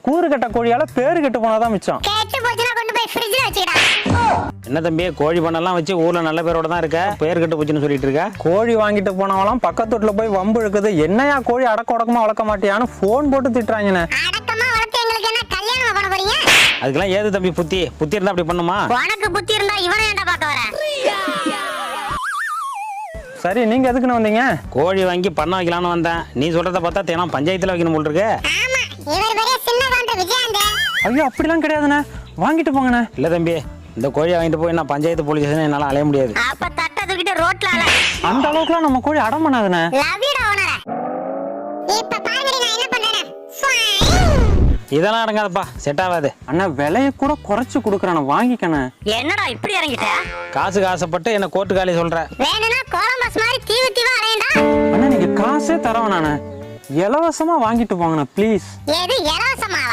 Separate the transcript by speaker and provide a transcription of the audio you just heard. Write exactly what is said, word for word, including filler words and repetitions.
Speaker 1: கூறு கட்ட கோழியால பேரு கெட்டு போனாதான் மிச்சம்.
Speaker 2: என்ன தம்பி கோழி பண்ணெல்லாம் வச்சு ஊர்ல நல்ல பேரோட தான் இருக்க, பேர் கெட்டு போச்சுன்னு சொல்லிட்டு இருக்க?
Speaker 1: கோழி வாங்கிட்டு போனவங்களாம் பக்கத்து வீட்டுல போய் வம்பு இழுக்குது. என்னையா கோழி அடக்க உடக்கமா வளர்க்க மாட்டியான்னு போன் போட்டு திட்டுறாங்கண்ணே.
Speaker 2: அதுக்கெல்லாம் ஏது தம்பி புத்தி புத்தி இருந்தா அப்படி பண்ணுமா?
Speaker 3: உனக்கு புத்தி இருந்தா இவனை ஏன்டா பார்க்க வர?
Speaker 1: சரி நீங்க எதுக்குன்னு வந்தீங்க?
Speaker 2: கோழி வாங்கி பண்ண வைக்கலாம்னு வந்தேன். நீ சொல்றத பார்த்தா தினம் பஞ்சாயத்துல வைக்கணும் போல் இருக்கு.
Speaker 1: ஐயோ அப்படிலாம் கிடையாதுண்ணே, வாங்கிட்டு போங்கண்ணே.
Speaker 2: இல்ல தம்பி, இந்த கோழியை வாங்கிட்டு போய் நான் பஞ்சாயத்து போலீஸ் ஸ்டேஷன் என்னால அலைய முடியாது.
Speaker 3: அப்ப தட்ட தூக்கிட்டு ரோட்ல அல.
Speaker 1: அந்த அளவுக்குலாம் நம்ம கோழி அடம் பண்ணாதுண்ணே.
Speaker 3: லவ்யூடா ஓனர. இப்ப பாருங்கடி நான் என்ன பண்றேன்னு.
Speaker 2: இதெல்லாம் அடங்காதப்பா, செட் ஆகாது.
Speaker 1: அண்ணா விலைய கூட குறைச்சு கொடுக்குறானே, வாங்கிக்கண்ணே.
Speaker 3: என்னடா இப்படி இறங்கிட்ட?
Speaker 2: காசுக்கு ஆசைப்பட்டு என்ன கோர்ட்டு காலி சொல்ற?
Speaker 3: வேணும்னா கோலம்பஸ் மாதிரி தீவு தீவா அலையண்டா.
Speaker 1: அண்ணா நீங்க காசே தரவேன் நானே, இலவசமா வாங்கிட்டு போங்கண்ணே ப்ளீஸ்.
Speaker 3: எது இலவசமா?